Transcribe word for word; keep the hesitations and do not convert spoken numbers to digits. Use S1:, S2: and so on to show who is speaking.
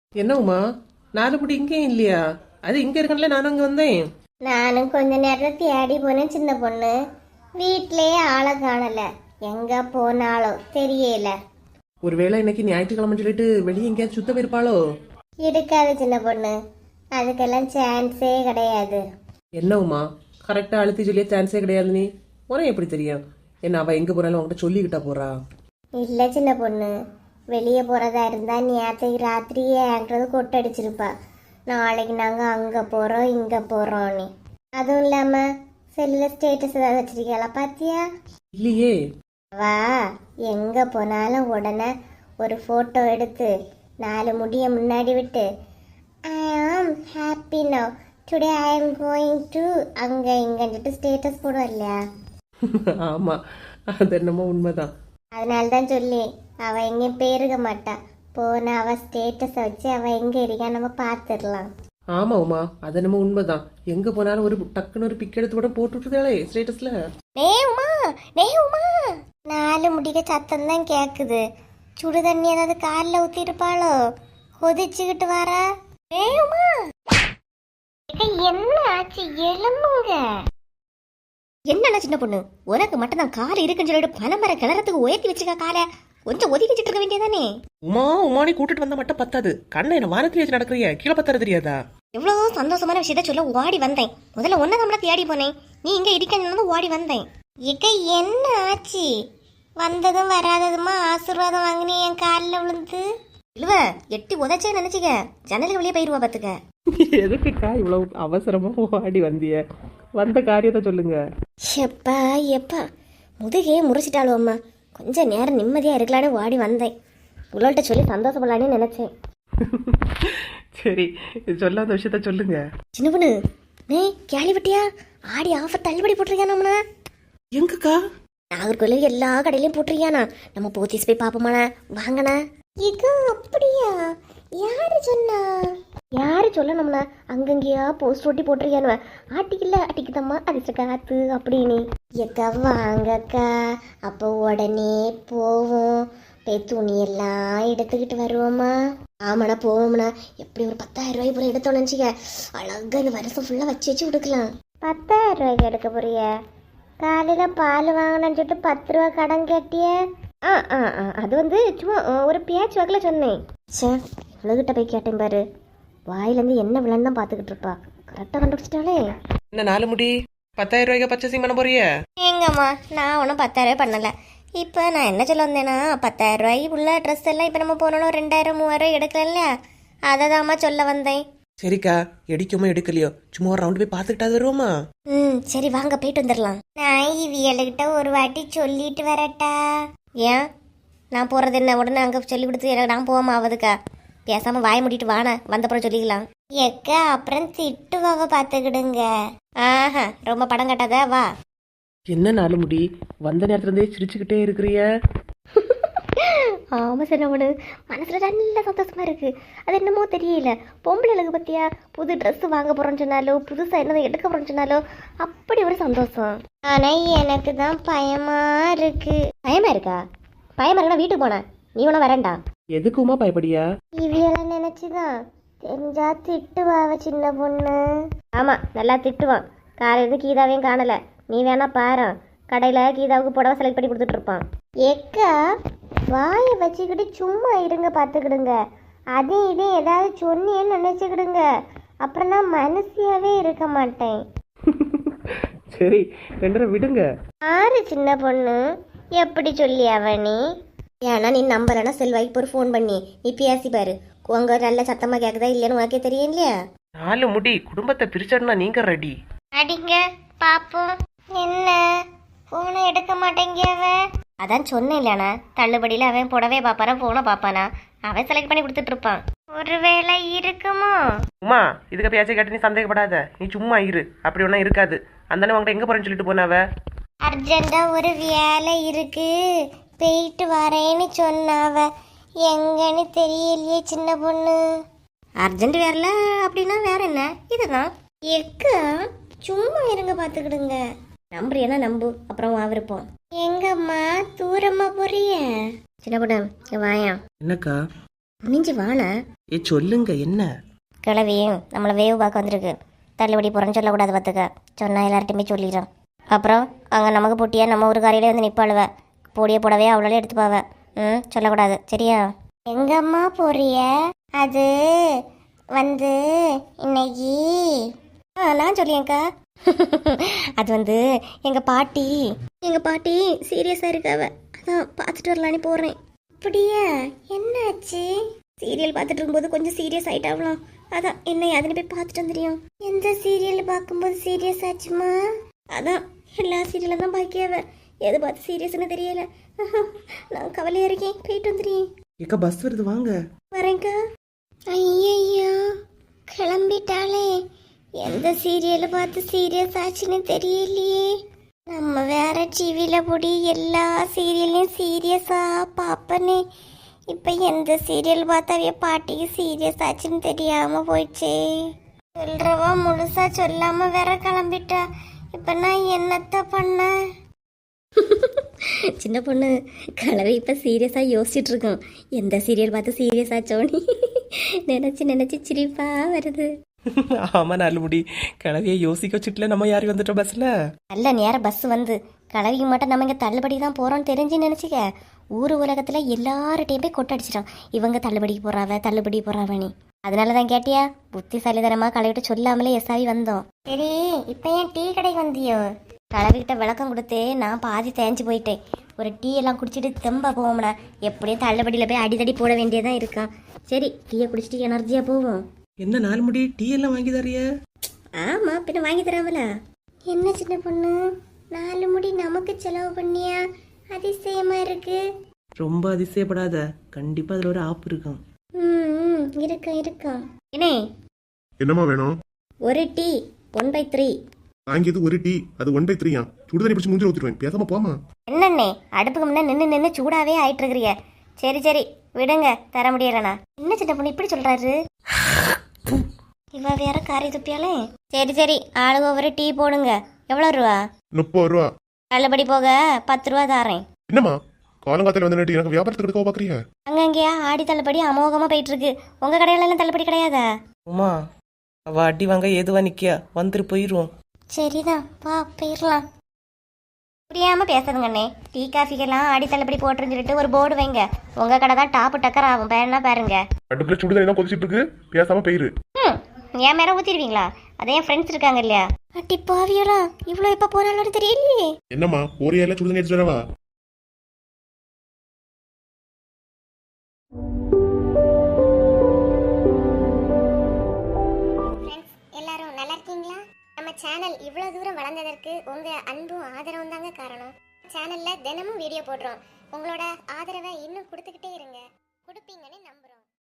S1: என்ன உமா, நாலு புடி இங்கே இல்லையா? அது இங்க இருக்கல, நானும் அங்க வந்தேன்.
S2: நானும் கொஞ்ச நேரம் தேடி போனேன் சின்ன பொண்ணு. வீட்லயே ஆளை காணல, எங்க போனாலோ தெரியல.
S1: ஒருவேளை இன்னைக்கு ஞாயிற்றுக்கிழமை சொல்லிட்டு வெளியே எங்கேயாவது சுத்த போயிருப்பாளோ?
S2: இருக்காது சின்ன பொண்ணு, அதுக்கெல்லாம் சான்ஸே கிடையாது.
S1: என்ன உமா, கரெக்டா அழுத்தி சொல்லிய சான்ஸே கிடையாது. நீ உனக்கு எப்படி தெரியும்? என்ன அவ எங்க போறாலும் உங்ககிட்ட சொல்லிக்கிட்டா போறா?
S2: இல்ல சின்ன பொண்ணு, வெளியே போறதா இருந்தா நேற்றைக்கு ராத்திரியே என்கிட்ட கொட்டடிச்சிருப்பா. நாளைக்கு நாங்க அங்க போறோம் இங்க போறோம்னு. அதுவும் இல்லாம செல்லுல ஸ்டேட்டஸ் ஏதாவது வச்சிருக்கீங்களா பாத்தியா?
S1: இல்லையே.
S2: வா, எங்க போனாலும் உடனே ஒரு போட்டோ எடுத்து நாலு முடிய முன்னாடி விட்டு ஐ am happy now today I am going to அங்க இங்கன்ட்டு ஸ்டேட்டஸ் போடுவா இல்லையா?
S1: ஆமா, அது என்னமோ உண்மைதான்.
S2: அதனால தான் சொல்லி அவ எங்கேயும் போயிருக்க மாட்டா. போன அவ ஸ்டேட்டஸை வச்சு அவ எங்க இருக்கா நம்ம பார்த்துடலாம்.
S1: ஆமா உமா, அது என்னமோ உண்மைதான். எங்க போனாலும் ஒரு டக்குன்னு ஒரு பிக் எடுத்து கூட போட்டு விட்டுருக்காளே ஸ்டேட்டஸ்ல.
S2: நே உமா, நே உமா, நாலு முடிக்க சத்தம் தான் கேக்குது. சுடு தண்ணி ஏதாவது காலில் ஊத்தி இருப்பாளோ? கொதிச்சுக்கிட்டு வரா. நே உமா, என்ன ஆச்சு? எலும்புங்க. என்ன சின்ன பொண்ணு, உனக்கு மட்டும் தான் கால் இருக்குன்னு சொல்லிட்டு பனமர கிளறத்துக்கு உயர்த்தி வச்சுக்க. காலை கொஞ்சம் ஒதுக்கி வச்சுட்டு இருக்க வேண்டியதானே?
S1: உமா, உமானி கூட்டிட்டு வந்தா மட்டும் பத்தாது. கண்ணை என்ன வானத்துல வச்சு நடக்கிறியா? கீழே பத்தாரு தெரியாதா?
S2: எவ்வளவு சந்தோஷமான விஷயத்த சொல்ல ஓடி வந்தேன். முதல்ல ஒன்ன நம்மள தேடி போனேன், நீ இங்க இருக்கன்னு ஓடி வந்தேன். இக்க என்ன ஆச்சு? வந்ததும் வராததுமா ஆசீர்வாதம் வாங்கினே என் காலில் விழுந்து இழுவ எட்டி உதச்சே நினைச்சுக்க. ஜன்னலுக்கு வெளியே போயிருவா பாத்துக்க.
S1: எதுக்குக்கா இவ்வளவு அவசரமா ஓடி வந்திய? வந்த காரியத்தை சொல்லுங்க.
S2: எப்பா எப்பா, முதுகே முறிச்சிட்டாலும் அம்மா. கொஞ்சம் நேரம் நிம்மதியா இருக்கலான்னு ஓடி வந்தேன். உங்கள்கிட்ட சொல்லி சந்தோஷப்படலான்னு நினைச்சேன்.
S1: சரி, சொல்ல அந்த விஷயத்த சொல்லுங்க.
S2: சின்ன பொண்ணு, நீ கேள்விப்பட்டியா? ஆடி ஆஃபர் தள்ளுபடி போட்டிருக்கேன். நம்மனா
S1: எங்கக்கா?
S2: நாகர்கோவில் எல்லா கடையிலையும் போட்டிருக்கியானா? நம்ம போத்தீஸ் போய் பாப்போமாண்ணா, வாங்கண்ணா. இது அப்படியா? யாரு சொன்னா? யாரு சொல்லணும்னா அங்கங்கேயா போஸ்ட் ஒட்டி போட்டிருக்கியானு. ஆட்டிக்கல அட்டிக்குதம்மா அதிர்ஷ்ட காத்து அப்படின்னு. எக்கா வாங்கக்கா, அப்போ உடனே போவோம். போய் துணியெல்லாம் எடுத்துக்கிட்டு வருவோமா? ஆமாண்ணா போவோம்ண்ணா. எப்படி ஒரு பத்தாயிரம் ரூபாய் போல எடுத்தோன்னு நினச்சிக்க. அழகா இந்த வருஷம் ஃபுல்லாக வச்சு வச்சு கொடுக்கலாம். பத்தாயிரம் ரூபாய்க்கு எடுக்க போறிய? காலையில் பால் வாங்கினேன்னு சொல்லிட்டு பத்து ரூபா கடன் கேட்டிய. ஆ ஆ ஆ அது வந்து சும்மா ஒரு பேச்சு வாக்கில் சொன்னேன். சே, இவ்வளோகிட்ட போய் கேட்டேன் பாரு. வாயிலேருந்து என்ன விலன்னு தான் பார்த்துக்கிட்டு இருப்பா. கரெக்டாக கண்டுபிடிச்சிட்டாலே.
S1: என்ன நாலு முடி பத்தாயிரம் ரூபாய்க்கு பர்ச்சேசிங் பண்ண போறிய?
S2: எங்கம்மா, நான் ஒன்றும் பத்தாயிரம் ரூபாய் பண்ணலை. இப்போ நான் என்ன சொல்ல வந்தேன்னா, பத்தாயிரம் ரூபாய்க்கு உள்ள ட்ரெஸ் எல்லாம் இப்போ நம்ம போனாலும் ரெண்டாயிரம் மூவாயிரம் எடுக்கல. அதை தான்மா சொல்ல வந்தேன்.
S1: சரிக்கா, எடுக்குமோ எடுக்கலையோ சும்மா ஒரு ரவுண்ட் போய் பார்த்துக்கிட்டா வருவோமா?
S2: ம் சரி, வாங்க போயிட்டு வந்துடலாம். நான் இவியல்கிட்ட ஒரு வாட்டி சொல்லிட்டு வரட்டா? ஏன் நான் போகிறது என்ன? உடனே அங்கே சொல்லி கொடுத்து எனக்கு நான் போகாம ஆகுதுக்கா. பேசாமல் வாய முடிட்டு வான, வந்தப்புறம் சொல்லிக்கலாம். எக்கா அப்புறம் திட்டுவாவ பார்த்துக்கிடுங்க. ஆஹா, ரொம்ப படம் கட்டாத, வா.
S1: என்ன நாலு முடி, வந்த நேரத்துல இருந்தே சிரிச்சுக்கிட்டே இருக்கிறிய?
S2: ஆமா சார், நம்மளு மனசுல நல்ல சந்தோஷமா இருக்கு. அது என்னமோ தெரியல. பொம்பளைகளுக்கு பத்தியா புது ட்ரெஸ் வாங்க போறோம்னு சொன்னாலோ, புதுசா என்ன எடுக்க போறோம்னு சொன்னாலோ அப்படி ஒரு சந்தோஷம். ஆனா எனக்கு தான் பயமா இருக்கு. பயமா இருக்கா? பயமா இருக்கா? வீட்டுக்கு போன நீ ஒன்னும் வரண்டா.
S1: எதுக்குமா பயப்படியா?
S2: இவையெல்லாம் நினைச்சுதான் தெரிஞ்சா திட்டுவாவ சின்ன பொண்ணு. ஆமா, நல்லா திட்டுவான். காலையில கீதாவையும் காணல. நீ வேணா பாரு, கடையில கீதாவுக்கு புடவை செலக்ட் பண்ணி கொடுத்துட்டு இருப்பான். எக்கா வாயை வச்சுக்கிட்டு சும்மா இருங்க, பார்த்துக்கிடுங்க. அதே இதே ஏதாவது சொன்னேன்னு நினைச்சுக்கிடுங்க, அப்புறம் நான் மனசியாவே இருக்க மாட்டேன்.
S1: சரி, ரெண்டரை விடுங்க.
S2: ஆறு சின்ன பொண்ணு எப்படி சொல்லி அவனி? ஏன்னா நீ நம்பலன்னா செல்வாய்க்கு ஒரு ஃபோன் பண்ணி நீ பேசி பாரு. உங்க நல்ல சத்தமா கேக்குதா இல்லையான்னு உனக்கே தெரியும் இல்லையா?
S1: நாலு முடி குடும்பத்தை பிரிச்சா நீங்க ரெடி.
S2: அடிங்க பாப்போம். என்ன போனை எடுக்க மாட்டேங்க அவன்? அதான் சொன்னேன் இல்லையாண்ணா, தள்ளுபடியில் அவன் புடவே பார்ப்பானா போனை பார்ப்பானா, அவன் செலக்ட் பண்ணி கொடுத்துட்டு இருப்பான். ஒருவேளை இருக்குமோ?
S1: உமா, இதுக்கு பேச்சை கேட்டு நீ சந்தேகப்படாத. நீ சும்மா இரு, அப்படி ஒன்றும் இருக்காது. அந்த உங்கள்கிட்ட எங்க போறேன்னு சொல்லிட்டு போனாவ.
S2: அர்ஜென்டா ஒரு வேலை இருக்கு, போயிட்டு வரேன்னு சொன்னாவ. எங்கன்னு தெரியலையே சின்ன பொண்ணு. அர்ஜென்ட் வேறல அப்படின்னா வேற என்ன? இதுதான் எக்கா, சும்மா இருங்க பார்த்துக்கிடுங்க. நம்புறியனா நம்பு, அப்புறம் வாவிருப்போம். எங்கம்மா தூரமா போறிய? சின்ன பொண்ணு வாயா.
S1: என்னக்கா?
S2: குனிஞ்சு வாண.
S1: ஏ சொல்லுங்க என்ன?
S2: கிளவியும் நம்மளை வேவு பார்க்க வந்திருக்கு. தள்ளுபடி போகிறேன்னு சொல்லக்கூடாது பார்த்துக்க. சொன்னா எல்லார்ட்டையுமே சொல்லிடுறேன். அப்புறம் அங்கே நமக்கு போட்டியா நம்ம ஒரு காரையிலே வந்து நிற்பாளுவ. பொடியை போடவே அவ்வளோ எடுத்துப்பாவ. ம் சொல்லக்கூடாது சரியா? எங்கம்மா போறிய? அது வந்து இன்னைக்கு ஆ நான் சொல்லியேங்க்கா. அது வந்து எங்கள் பாட்டி எங்கள் பாட்டி சீரியஸாக இருக்காவ. அதான் பார்த்துட்டு வரலான்னு போகிறேன். அப்படியா? என்னாச்சு? சீரியல் பார்த்துட்டு இருக்கும்போது கொஞ்சம் சீரியஸ் ஆகிட்டாவலாம். அதான் என்ன அதுன்னு போய் பார்த்துட்டு வந்துடும். எந்த சீரியல் பார்க்கும்போது சீரியஸ் ஆச்சுமா? அதான் எல்லா சீரியலும் தான் பாக்கியாவ. எது பார்த்து சீரியஸ்னு தெரியல. நான் கவலையாக இருக்கேன். போயிட்டு வந்துடுறேன்.
S1: ஏக்கா பஸ் வருது வாங்க.
S2: வரேங்க்கா. ஐயையோ கிளம்பிட்டாளே. எந்த சீரியலை பார்த்து சீரியஸ் ஆச்சுன்னு தெரியலையே. நம்ம வேற டிவியில் போடி எல்லா சீரியல்லையும் சீரியஸாக பார்ப்பனே. இப்போ எந்த சீரியல் பார்த்தாவே பாட்டிக்கு சீரியஸ் ஆச்சுன்னு தெரியாமல் போயிடுச்சே. சொல்கிறவா முழுசா சொல்லாமல் வேற கிளம்பிட்டா. இப்போ நான் என்னத்த பண்ண? சின்ன பொண்ணு கலவை இப்போ சீரியஸாக யோசிச்சுட்டு இருக்கோம். எந்த சீரியல் பார்த்து சீரியஸ் ஆச்சோன்னு நினச்சி நினச்சி சிரிப்பா வருது.
S1: ஆமா நாலு முடி கிளவிய யோசிக்க வச்சுட்டுல நம்ம யாரும் வந்துட்டோம் பஸ்ல.
S2: நல்ல நேரம் பஸ் வந்து கிளவிக்கு மட்டும் நம்ம இங்கே தள்ளுபடி தான் போகிறோம்னு தெரிஞ்சு நினச்சிக்க. ஊர் உலகத்தில் எல்லார்ட்டையும் போய் கொட்டடிச்சிட்டோம். இவங்க தள்ளுபடிக்கு போகிறாவ தள்ளுபடி போகிறாவனி. அதனால தான் கேட்டியா புத்திசாலிதனமாக கலவிட்டு சொல்லாமலே எஸ்ஆவி வந்தோம். சரி இப்போ ஏன் டீ கடைக்கு வந்தியோ? கலவிக்கிட்ட விளக்கம் கொடுத்து நான் பாதி தேஞ்சு போயிட்டேன். ஒரு டீ எல்லாம் குடிச்சிட்டு தெம்பா போவோம்னா. எப்படியும் தள்ளுபடியில் போய் அடிதடி போட வேண்டியதான் இருக்கான். சரி டீயை குடிச்சிட்டு எனர்ஜியாக போவோம்.
S1: என்ன நாலு முடி டீ எல்லாம் வாங்கி தரைய?
S2: ஆமா பின்ன வாங்கி தராமல. என்ன சின்ன பொண்ணு நாலு முடி நமக்கு செலவு பண்ணியா? அதிசயமா இருக்கு.
S1: ரொம்ப அதிசயப்படாத. கண்டிப்பா அதுல ஒரு ஆப் இருக்கும்.
S2: ம் இருக்கும் இருக்கும். என்ன
S3: என்னம்மா வேணும்?
S2: ஒரு டீ ஒன் பை த்ரீ.
S3: வாங்கியது ஒரு டீ, அது ஒன் பை த்ரீயா? சுடுதண்ணி பிடிச்சி மூஞ்சில ஊத்திடுவேன். பேசாம போமா.
S2: என்னண்ணே அடுப்புக்கு முன்ன நின்று நின்று சூடாவே ஆயிட்டு இருக்கிறிய. சரி சரி விடுங்க தர முடியலண்ணா. என்ன சின்ன பொண்ணு இப்படி சொல்றாரு? இவ வேற காரி துப்பியாலே. சரி சரி ஆளுக ஒரு டீ போடுங்க. எவ்வளோ ரூபா?
S3: முப்பது ரூபா.
S2: தள்ளுபடி போக பத்து ரூபா தாரேன்.
S3: என்னம்மா காலங்காத்தால வந்து நின்று எனக்கு வியாபாரத்துக்கு எடுக்க பாக்குறீங்க?
S2: அங்கங்கேயா ஆடி தள்ளுபடி அமோகமா போயிட்டு இருக்கு. உங்க கடையில எல்லாம் தள்ளுபடி கிடையாதா?
S1: உமா அவ அடி வாங்க ஏதுவா நிக்கியா? வந்துட்டு போயிருவோம்.
S2: சரிதான் வா போயிடலாம். புரியாம பேசுதுங்கண்ணே. டீ காஃபிக்கெல்லாம் ஆடி தள்ளுபடி போட்டுருன்னு சொல்லிட்டு ஒரு போர்டு வைங்க. உங்க கடை தான் டாப்பு டக்கர் ஆகும். பேருனா பாருங்க.
S3: அடுப்புல சுடுதண்ணி தான் கொதிச்சிட்டு இருக்கு. பேசாம போயிரு.
S2: ம் என் மேல ஊத்திடுவீங்களா? அதே என் ஃப்ரெண்ட்ஸ் இருக்காங்க இல்லையா? அட்டி பாவியலா இவ்வளோ எப்போ போறாலும் தெரியலையே.
S3: என்னம்மா ஒரே எல்லாம் சுடுதண்ணி எடுத்துட்டு வரவா?
S2: எல்லாரும் நல்லா இருக்கீங்களா? நம்ம சேனல் இவ்வளோ தூரம் வளர்ந்ததற்கு உங்க அன்பும் ஆதரவும் தாங்க காரணம். சேனல்ல தினமும் வீடியோ போடுறோம். உங்களோட ஆதரவை இன்னும் கொடுத்துக்கிட்டே இருங்க. கொடுப்பீங்கன்னு நம்ம